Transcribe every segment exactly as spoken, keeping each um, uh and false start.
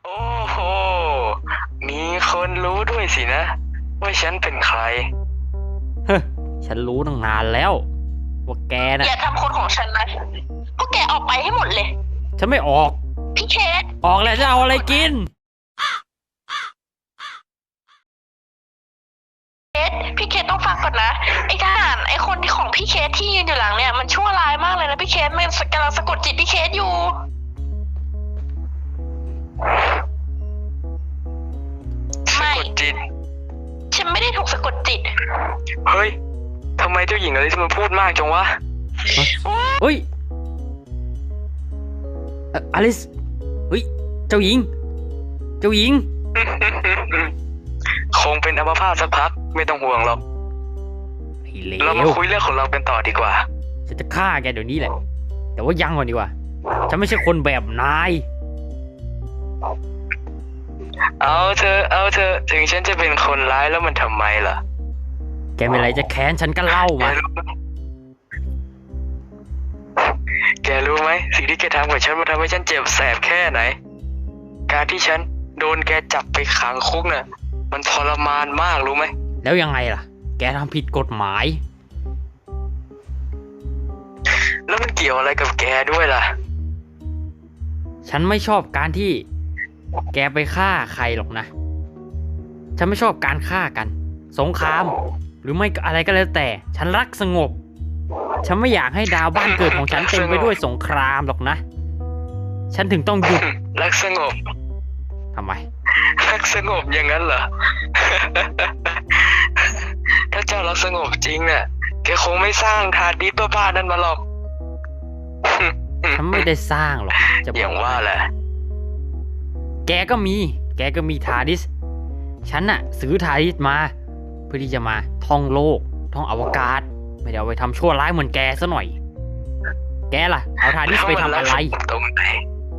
โอ้โหมีคนรู้ด้วยสินะว่าฉันเป็นใครเฮ้ยฉันรู้ตั้งนานแล้วว่าแกน่ะอย่าทำคนของฉันนะพวกแกออกไปให้หมดเลยฉันไม่ออกพี่เคสออกแล้วจะเอาอะไรกินพี่เคสต้องฟังก่อนนะไอ้ทหารไอ้คนที่ของพี่เคสที่ยืนอยู่หลังเนี่ยมันชั่วร้ายมากเลยนะพี่เคสมันกำลังสะกดจิตพี่เคสอยู่สะไม่กดจิตฉันไม่ได้ถูกสะกดจิตเฮ้ยทำไมเจ้าหญิงอะไรที่มันพูดมากจังวะเฮ้ยเอ่ออลิสเฮ้ยเจ้าหญิง เจ้าหญิงคงเป็นอัมพาตสักพักไม่ต้องห่วงหรอกไอ้เลเรามาว คุยเรื่องของเรากันต่อดีกว่าฉันจะฆ่าแกเดี๋ยวนี้แหละ แต่ว่ายังก่อนดีกว่า ฉันไม่ใช่คนแบบนายเอาเธอเอาเธอถึงฉันจะเป็นคนร้ายแล้วมันทำไมล่ะแกมีอะไรจะแค้นฉันก็เล่าแกมารู้ไหมแกรู้ไหมสิ่งที่แกทำกับฉันมันทำให้ฉันเจ็บแสบแค่ไหน การที่ฉันโดนแกจับไปขังคุกน่ะ มันทรมานมากรู้ไหมแล้วยังไงล่ะ แกทำผิดกฎหมายแล้วมันเกี่ยวอะไรกับแกด้วยล่ะฉันไม่ชอบการที่ แกไปฆ่าใครหรอกนะ ฉันไม่ชอบการฆ่ากัน สงคราม หรือไม่ก็อะไรก็แล้วแต่ ฉันรักสงบ ฉันไม่อยากให้ดาวบ้านเกิดของฉันเต็มไปด้วยสงครามหรอกนะ ฉันถึงต้องหยุดรักสงบทำไมรักสงบอย่างนั้นเหรอ ถ้าเจ้ารักสงบจริงน่ะ แกคงไม่สร้างทาดิสบ้าๆนั้นมาหรอกฉันไม่ได้สร้างหรอกนะจะบออกย่างว่าแหละแกก็มี แกก็มีทาดิส ฉันน่ะซื้อทาดิสมา เพื่อที่จะมาท่องโลก ท่องอวกาศ ไม่ได้เอาไปทำชั่วร้ายเหมือนแกซะหน่อย แกล่ะ เอาทาดิสไปทำอะไรตรงไหน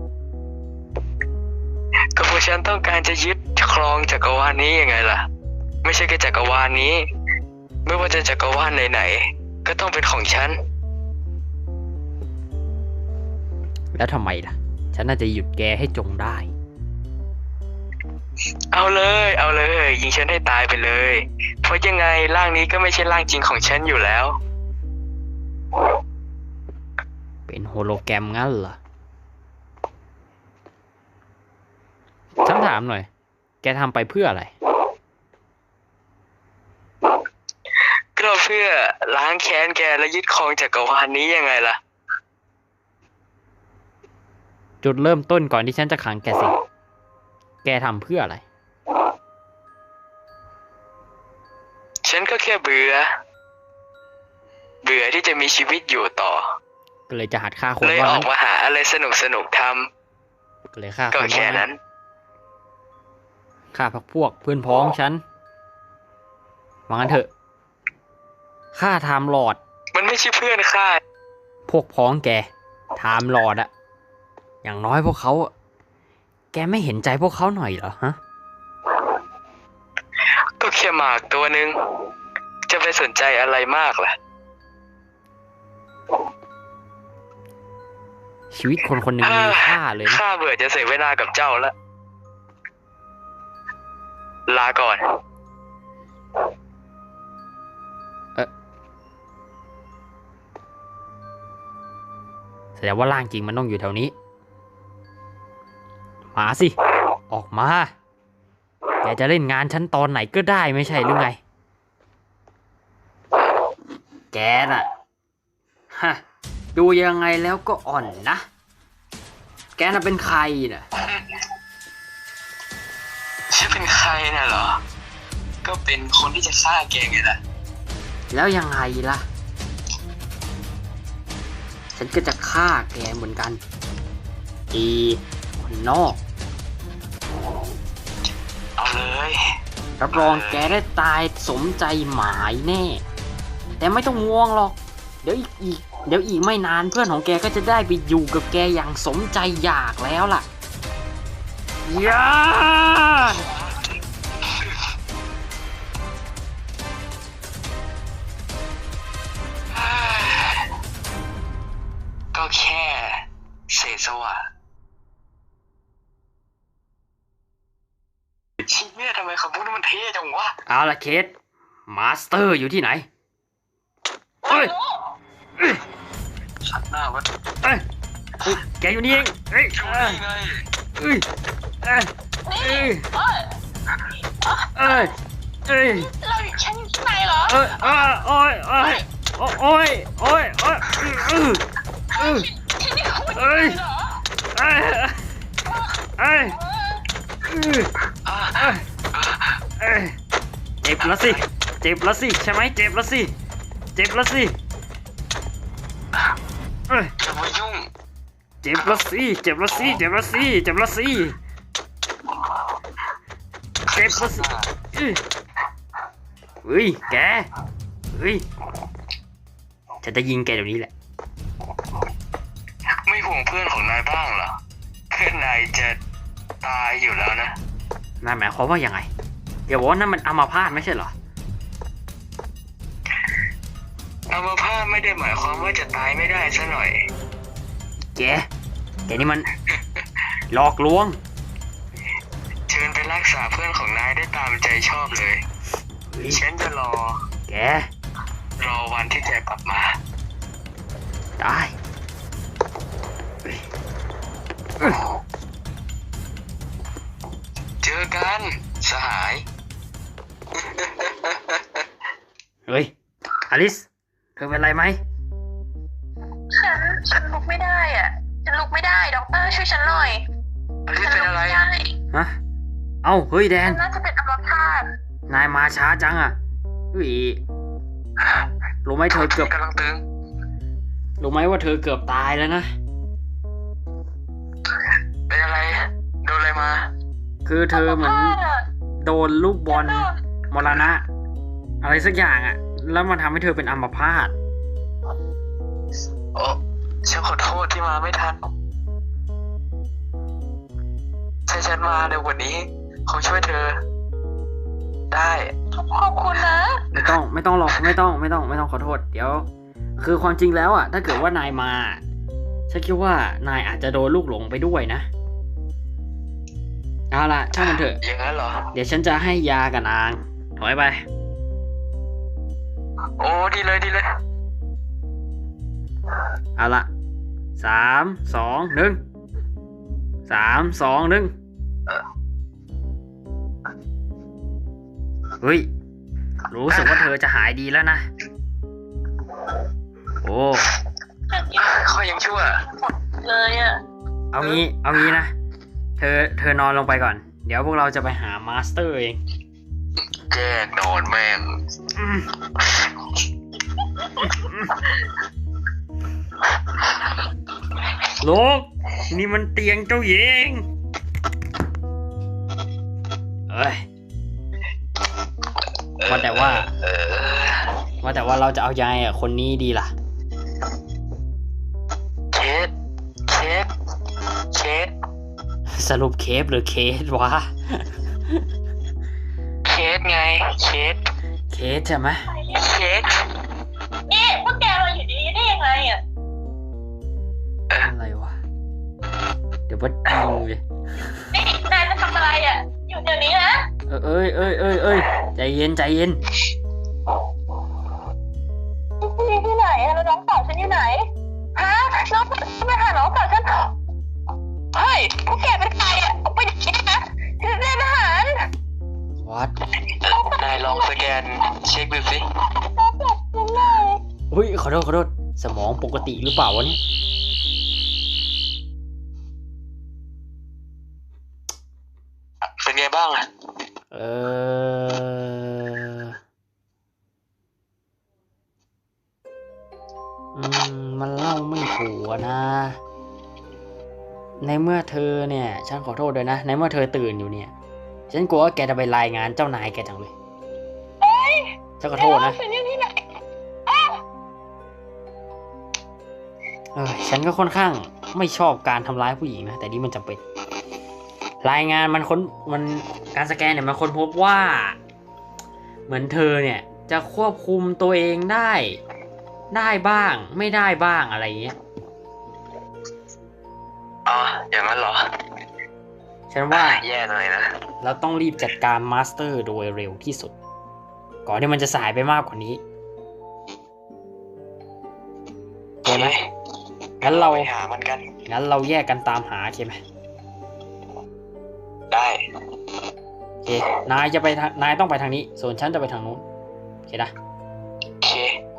ก็เพราะฉันต้องการจะยึดครองจักรวาลนี้ยังไงล่ะ ไม่ใช่แค่จักรวาลนี้ ไม่ว่าจะจักรวาลไหนๆก็ต้องเป็นของฉันแล้วทำไมล่ะ ฉันน่าจะหยุดแกให้จงได้เอาเลย เอาเลย ยิงฉันให้ตายไปเลย เพราะยังไงร่างนี้ก็ไม่ใช่ร่างจริงของฉันอยู่แล้วเป็นโฮโลแกรมงั้นเหรอ ฉันถามหน่อย แกทำไปเพื่ออะไรก็เพื่อล้างแค้นแกและยึดครองจักรวาลนี้ยังไงล่ะจุดเริ่มต้นก่อนที่ฉันจะขังแกสิ แกทำเพื่ออะไรฉันก็แค่เบื่อ เบื่อที่จะมีชีวิตอยู่ต่อก็เลยจะหัดฆ่าคนเลยว่าอองั้กนมาหาอะไรสนุกสนุกๆทก็เลยฆ่าำคก็นว่าแค่งั้นั้น นฆ่าพักพวกเพื่อนพ้องฉันว่างั้นเถอะ ฆ่าไทม์ลอร์ดมันไม่ใช่เพื่อนข้าพวกพ้องแกไทม์ลอร์ดอะอย่างน้อยพวกเขาอะแกไม่เห็นใจพวกเขาหน่อยเหรอฮะก็แค่หมากตัวหนึ่งจะไปสนใจอะไรมากล่ะชีวิตคนคนหนึ่งมีค่าเลยนะข้าเบื่อจะเสียเวลากับเจ้าแล้ว ลาก่อนแสดงว่าร่างจริงมันต้องอยู่แถวนี้ มาสิ ออกมา แกจะเล่นงานฉันตอนไหนก็ได้ไม่ใช่หรือไง แกน่ะ ฮะ ดูยังไงแล้วก็อ่อนนะ แกน่ะเป็นใครน่ะฉันเป็นใครน่ะเหรอ ก็เป็นคนที่จะฆ่าแกไงล่ะแล้วยังไงล่ะ ฉันก็จะฆ่าแกเหมือนกันอีคนนอกเอาเลยรับรองแกได้ตายสมใจหมายแน่ แต่ไม่ต้องง่วงหรอก เดี๋ยวอีกอีก เดี๋ยวอีกไม่นานเพื่อนของแกก็จะได้ไปอยู่กับแกอย่างสมใจอยากแล้วล่ะย่าก็แค่เศษสวะคำพูดนั้นมันเท่จังวะเอาละเคสมาสเตอร์อยู่ที่ไหนเอ้ยเอ้ยชัดหน้าวะเอ้ยเอ้ยแกอยู่นี่เองเอ้ยอยู่เอ้ยนี่ไงเอ้ยเอ้ยนี่เอ้ยเอ้ยเอ้ยเราอยู่ชั้นอยู่ที่ไหนเหรอเอ้ยเอ้ยโอ้ยโอ้ยโอ้ยโอ้ยโอ้ยเอ้ยเอ้ยที่นี่คุณเอ้ยเหรอเอ้ยเอ้ยเออเอ้ยอ่ะเอ้ยเอ้ยเจ็บแล้วสิเจ็บแล้วสิใช่ไหมเจ็บแล้วสิเจ็บแล้วสิเอ้ยอย่ามายุ่งเจ็บแล้วสิเจ็บแล้วสิเจ็บแล้วสิเจ็บแล้วสิเจ็บแล้วสิเอ้ยเฮ้ยแกเฮ้ยฉันจะยิงแกเดี๋ยวนี้แหละไม่ห่วงเพื่อนของนายบ้างเหรอเพื่อนนายจะตายอยู่แล้วนะนายหมายความว่ายังไงอย่าบอกว่านั่นมันอัมพาตไม่ใช่เหรออัมพาตไม่ได้หมายความว่าจะตายไม่ได้ซะหน่อยแกแกนี่มันหลอกลวงเชิญไปรักษาเพื่อนของนายได้ตามใจชอบเลยเฮ้ยฉันจะรอแกรอวันที่แกกลับมาได้เฮ้ยเอ้ยเจอกันสหายเฮ้ยอลิสเธอเป็นไรไหมฉันฉันลุกไม่ได้อ่ะ ฉันลุกไม่ได้ด็อกเตอร์ช่วยฉันหน่อยอลิสฉัเป็นลุกอะไรไม่ได้ฮะเอ้าเฮ้ยแดฉันนน่าจะเป็นอัมพาตนายมาช้าจังอ่ะเฮ้ยรู้ไหมเธอเกือบกำลังตึงรู้ไหมว่าเธอเกือบตายแล้วนะเป็นอะไร โดนอะไรมาคือเธอเหมือนพาตอะโดนลูกบอลฉันโดนมรณะ อะไรสักอย่างอ่ะ แล้วมันทำให้เธอเป็นอัมพาตโอ้ฉันขอโทษที่มาไม่ทัน ถ้าฉันมาเร็วกว่านี้คงช่วยเธอ ได้ขอบคุณนะไม่ต้องไม่ต้องหรอกไม่ต้องไม่ต้องไม่ต้องขอโทษ เดี๋ยว คือความจริงแล้วอ่ะ ถ้าเกิดว่านายมาฉันคิดว่านายอาจจะโดนลูกหลงไปด้วยนะเอาล่ะช่างมันเถอะอย่างนั้นเหรอเดี๋ยวฉันจะให้ยากับนางถอยไปโอ้ดีเลยดีเลยเอาล่ะสามสองหนึ่งสามสองหนึ่งเฮ้ยรู้สึกว่าเธอจะหายดีแล้วนะโอ้ฉันยังข้อยังชั่วเลยอ่ะเอางี้เอางี้นะเธอเธอนอนลงไปก่อน เดี๋ยวพวกเราจะไปหามาสเตอร์เองแกล้งนอนแม่งอืมลูกนี่มันเตียงเจ้าหญิงเอ้ยว่าแต่ว่าเออว่าแต่ว่าเราจะเอายายอ่ะคนนี้ดีล่ะเคสเคสเคสสรุปเคฟหรือเคสวะเคสไงเคสเคสใช่ไหมเคสนี่พวกแกมาอยู่ดีได้ยังไงอ่ะอะไรวะ เดี๋ยวว่ายิงเลยนี่นายจะทำอะไรอ่ะ อยู่เดี๋ยวนี้นะเออเอ้ยเอ้ยเอ้ยเอ้ยใจเย็นใจเย็นอยู่ที่ไหนอะแล้วน้องสาวฉันอยู่ไหน ฮะ น้องสาวฉันไปหาน้องสาวฉันเฮ้ย พวกแกเป็นใครอ่ะออกไปอย่างนี้นะฉันเป็นทหารวัดนายลองสแกนเช็คดูสิน้องสาวฉันเลยอุ้ยขอโทษขอโทษสมองปกติหรือเปล่าวะเนี่ยเป็นไงบ้างอะเอออืมมันเล่าไม่ถูกอะนะ ในเมื่อเธอเนี่ย ฉันขอโทษด้วยนะ ในเมื่อเธอตื่นอยู่เนี่ย ฉันกลัวว่าแกจะไปรายงานเจ้านายแกจังเลยฉันขอโทษนะฉันอยู่ที่ไหนเออฉันก็ค่อนข้างไม่ชอบการทำร้ายผู้หญิงนะ แต่นี่มันจำเป็น รายงานมันค้นมันการสแกนเนี่ยมันค้นพบว่า เหมือนเธอเนี่ยจะควบคุมตัวเองได้ ได้บ้างไม่ได้บ้างอะไรเงี้ยอ๋ออย่างนั้นเหรอใฉันว่าแย่หน่อยนะเราต้องรีบจัดการมาสเตอร์โดยเร็วที่สุด ก่อนที่มันจะสายไปมากกว่านี้โอเคไหมงั้นเราไปหามันกันงั้นเราแยกกันตามหาโอเคไหมได้โอเคนายจะไปทางนายต้องไปทางนี้ ส่วนฉันจะไปทางนู้นโอเคนะโอเค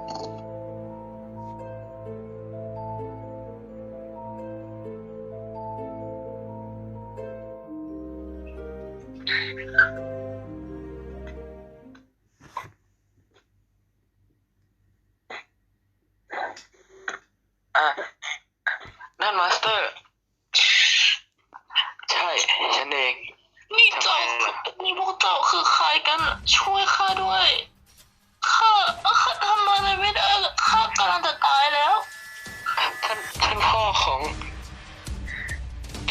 อ่ะ นั่นมาสเตอร์ ใช่ ฉันเองนี่เจ้านี่พวกเจ้าคือใครกันอะช่วยข้าด้วยข้าข้าทำอะไรไม่ได้อะข้ากำลังจะตายแล้วท่านท่านพ่อของ แก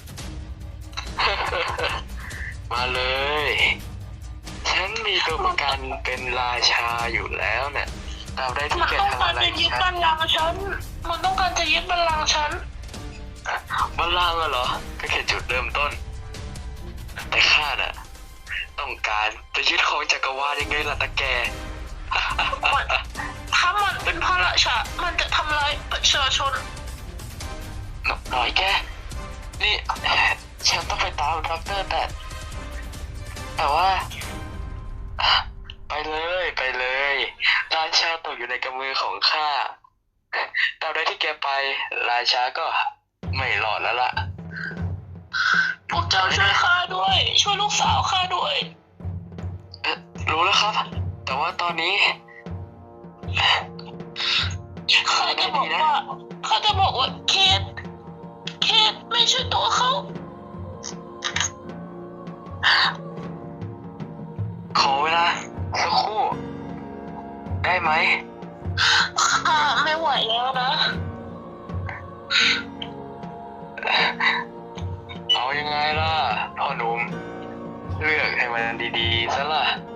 มาเลย ฉันมีตัวประกันเป็นราชาอยู่แล้วเนี่ยตราบใดที่มันแกต้องทำการอะไรจะยึดฉับันลลังก์ฉัน มันต้องการจะยึดบัลลังก์ฉันบัลลังก์อะเหรอ ก็แค่จุดเริ่มต้น แต่ข้าน่ะ ต้องการจะยึดของจักรวาลยังไงล่ะตะแกมันถ้ามันเป็นพระราชา มันจะทำลายประชาชนหน่อยแก นี่ ฉันต้องไปตามด็อกเตอร์แต่ แต่ว่า ไปเลยไปเลย ราชาตกอยู่ในกำมือของข้าตราบใดที่แกไป ราชาก็ไม่รอดแล้วล่ะพวกเจ้าช่วยข้าด้วย ช่วยลูกสาวข้าด้วยเอ๊ะรู้แล้วครับ แต่ว่าตอนนี้ข้าจะบอกว่าข้าจะบอกว่าเคทเคทไม่ใช่ตัวเขาขอเวลาสักครู่ ได้ไหมข้าไม่ไหวแล้วนะเอายังไงล่ะ พ่อหนุ่ม เลือกให้มันดีๆซะล่ะ